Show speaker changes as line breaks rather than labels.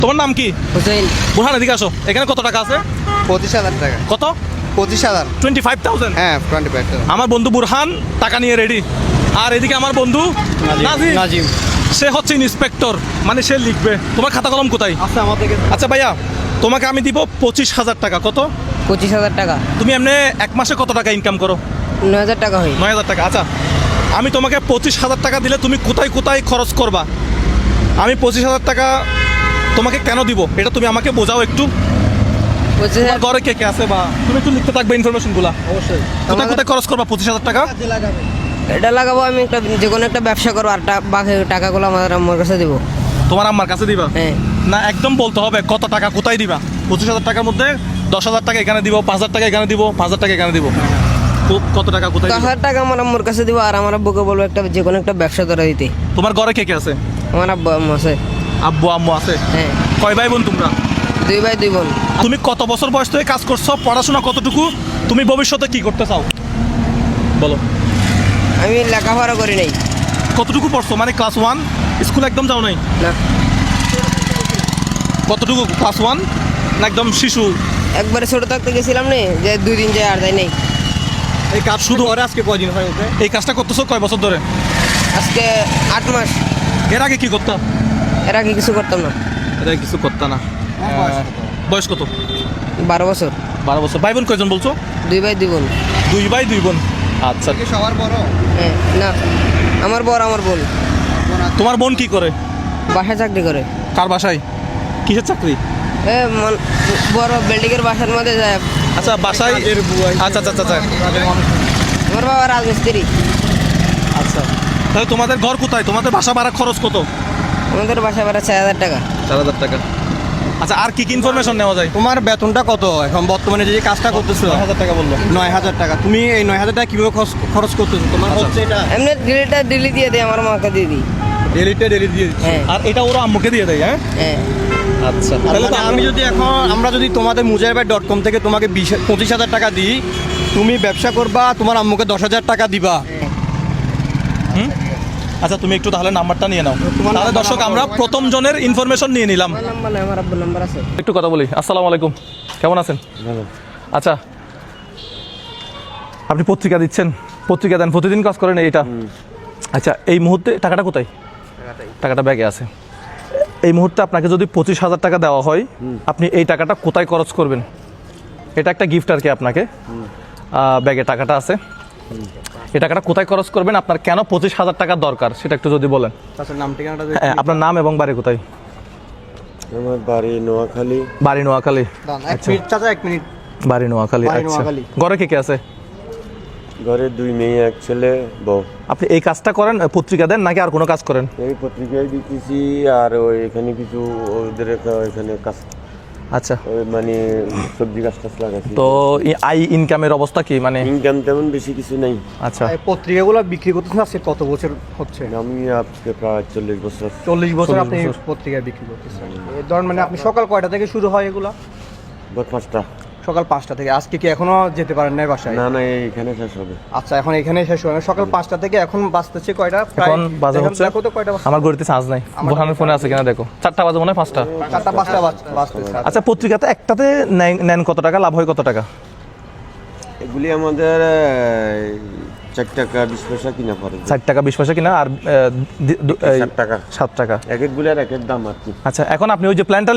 তোমার নাম কি?
হুসেইন।
বুরহান, এদিকে আসো। এখানে কত টাকা আছে?
25,000 টাকা।
কত?
25,000।
25,000।
হ্যাঁ 25,000।
আমার বন্ধু বুরহান টাকা নিয়ে রেডি। আর এদিকে আমার বন্ধু নাজিম, সে হচ্ছে ইন্সপেক্টর, মানে সে লিখবে। তোমার খাতা কলম কোথায়?
আচ্ছা আমাদের
আচ্ছা ভাইয়া, তোমাকে আমি দিব 25,000 টাকা। কত?
25,000 টাকা।
তুমি এমনি এক মাসে কত টাকা ইনকাম করো?
9,000 টাকা হয়।
9,000 টাকা। আচ্ছা, আমি তোমাকে 25,000 টাকা দিলে তুমি কোথায় কোথায় খরচ করবা? আমি 25,000 টাকা তোমাকে কেন দিব এটা তুমি আমাকে বোঝাও একটু। তোমার
25,000
ঘরে কে কে আছে, বা তুমি একটু লিখতে থাকবে ইনফরমেশনগুলো।
অবশ্যই।
কোথায় কোথায় খরচ করবা 25,000 টাকা?
এটা লাগাবো, আমি একটা যে কোনো একটা ব্যবসা করবো, আর বাকি টাকাগুলো আমার কাছে দেবো।
তোমার আম্মার কাছে দিবা?
হ্যাঁ।
না, একদম বলতে হবে কত টাকা কোথায় দিবা। 25,000 টাকার মধ্যে 10,000 টাকা এখানে দিব, 5,000 টাকা এখানে দিব, 5,000 টাকা এখানে দিব। তো কত টাকা কোথায় দিবা?
10,000 টাকা আমার আম্মুর কাছে দিব, আর আমার আব্বুকে বলবো একটা যে কোনো একটা ব্যবসা ধরে দিতে।
তোমার ঘরে কে কে আছে?
আমার আব্বু আম্মু আছে।
আব্বু আম্মু আছে?
হ্যাঁ।
কয় ভাই বোন তোমরা?
2 ভাই 2 বোন।
তুমি কত বছর বয়স থেকে কাজ করছো? পড়াশোনা কতটুকু? তুমি ভবিষ্যতে কি করতে চাও বলো?
আমি লেখাপড়া করি নাই।
কতটুকু পড়ছো, মানে ক্লাস 1? স্কুল একদম যাও নাই?
না,
কতটুকু? ক্লাস 1 না একদম শিশু?
একবারে ছোট থাকতে গেছিলাম নে, যে 2 দিন যায় আর যাই নাই।
এই কাজ শুধু ওরে আজকে কয়দিন হয় ওকে? এই কাজটা করতেছো কয় বছর ধরে?
আজকে 8 মাস।
এর আগে কি করতাম?
এর আগে কিছু করতাম না।
এর আগে কিছু করতাম না। বয়স কত?
12 বছর।
12 বছর। ভাই বোন কয়জন বলছো?
2 ভাই 2 বোন।
2 ভাই 2 বোন। আচ্ছা,
কি সবার বড়?
হ্যাঁ। না, আমার বড় আমার বোন।
তোমার বোন কি করে?
বাসায় চাকরি করে।
কার বাসায়? কিসের চাকরি?
বড় বিল্ডিংয়ের বাসার মধ্যে যায়।
আচ্ছা, বাসায়। আচ্ছা আচ্ছা আচ্ছা।
আমার বাবা রাজমিস্ত্রি।
আচ্ছা, তাহলে তোমাদের ঘর কোথায়? তোমাদের বাসা ভাড়া খরচ কত?
আমাদের বাসা ভাড়া 4,000 টাকা।
4,000 টাকা। আচ্ছা, আর কি কি ইনফরমেশন নেওয়া যায়?
তোমার বেতনটা কত এখন বর্তমানে যে কাজটা করতেছো?
9,000 টাকা বললো।
9,000 টাকা। তুমি এই 9,000 টাকা কিভাবে খরচ করতেছো? তোমার
আচ্ছা।
হচ্ছে এটা
এমনি ডেলি দিয়ে দেয়, আমার মাকে দিয়ে দিই।
ডেলি দিয়ে দিচ্ছি।
হ্যাঁ।
আর এটা ওরা আম্মুকে দিয়ে দেয়? হ্যাঁ।
হ্যাঁ।
আচ্ছা,
তাহলে তো আমরা যদি তোমাদের mujahirbhai.com থেকে তোমাকে 25,000 টাকা দিই, তুমি ব্যবসা করবা, তোমার আম্মুকে 10,000 টাকা দিবা।
আচ্ছা, তুমি একটু তাহলে নাম্বারটা নিয়ে নাও।
তোমার
তাহলে
নাম্বার
দর্শক,
আমার
আমরা প্রথম জনের ইনফরমেশন নিয়ে নিলাম।
আমার নাম্বার নাই, আমার আব্বুর নাম্বার আছে।
একটু কথা বলি। আসসালামু আলাইকুম, কেমন আছেন? আচ্ছা, আপনি পত্রিকা দিচ্ছেন, পত্রিকা দেন, প্রতিদিন কাজ করেন এইটা। আচ্ছা, এই মুহূর্তে টাকাটা কোথায়? টাকাটা ব্যাগে আছে। এই মুহূর্তে আপনাকে যদি 25,000 টাকা দেওয়া হয়, আপনি এই টাকাটা কোথায় খরচ করবেন? এটা একটা গিফট আর কি আপনাকে। ব্যাগে টাকাটা আছে, এই টাকাটা কোথায় খরচ করবেন? আপনার কেন 25,000 টাকা দরকার সেটা একটু যদি বলেন।
আচ্ছা, নাম ঠিকানাটা
হ্যাঁ, আপনার নাম এবং বাড়ি কোথায়?
আমার বাড়ি নোয়াখালী।
বাড়ি নোয়াখালী।
এক মিনিট।
বাড়ি নোয়াখালী।
বাড়ি
আচ্ছা,
নোয়াখালী।
ঘরে কে কে আছে?
ঘরে 2 মেয়ে 1 ছেলে, বউ।
আপনি এই কাজটা করেন, পত্রিকা দেন নাকি আর কোনো কাজ করেন?
এই পত্রিকায় দিতেছি, আর ওই এখানে কিছু ওদের এখানে কাজ,
আচ্ছা,
ওই মানে সবজি গাছ টাছ লাগাচ্ছি।
তো আই ইনকামের অবস্থা কি, মানে?
ইনকাম তেমন বেশি কিছু নাই।
আচ্ছা,
এই পত্রিকাগুলো বিক্রি করতেছেন আজকে কত বছর হচ্ছে?
আমি আজকে প্রায় 40 বছর।
40 বছর আপনি
40 বছর।
পত্রিকায় বিক্রি করতেছেন। এই ধরেন মানে আপনি সকাল কয়টা থেকে শুরু হয় এগুলা?
ভোর 5টা।
সকাল 5টা থেকে। আজকে কি এখনো যেতে পারেন না বাসায়?
না না, এইখানে শেষ হবে।
আচ্ছা, এখন এখানে শেষ হয়। সকাল 5টা থেকে এখন বাজতেছে কয়টা?
এখন বাজে হচ্ছে,
দেখো তো কয়টা বাজছে?
আমার ঘড়িতে চার্জ নাই, বোরহানের ফোনে আছে কিনা দেখো। 4টা বাজে মনে হয়, 5টা।
4টা 5টা বাজতেছে।
আচ্ছা, পত্রিকাতে একটাতে নেন কত টাকা, লাভ হয় কত টাকা?
এগুলি আমাদের 4 টাকা 20 পয়সা কিনা পড়ে।
60 টাকা 20 পয়সা কিনা, আর
7 টাকা।
7 টাকা।
এক এক গুলির এক এক দাম আর কি।
আচ্ছা, এখন আপনি ওই যে প্ল্যানটা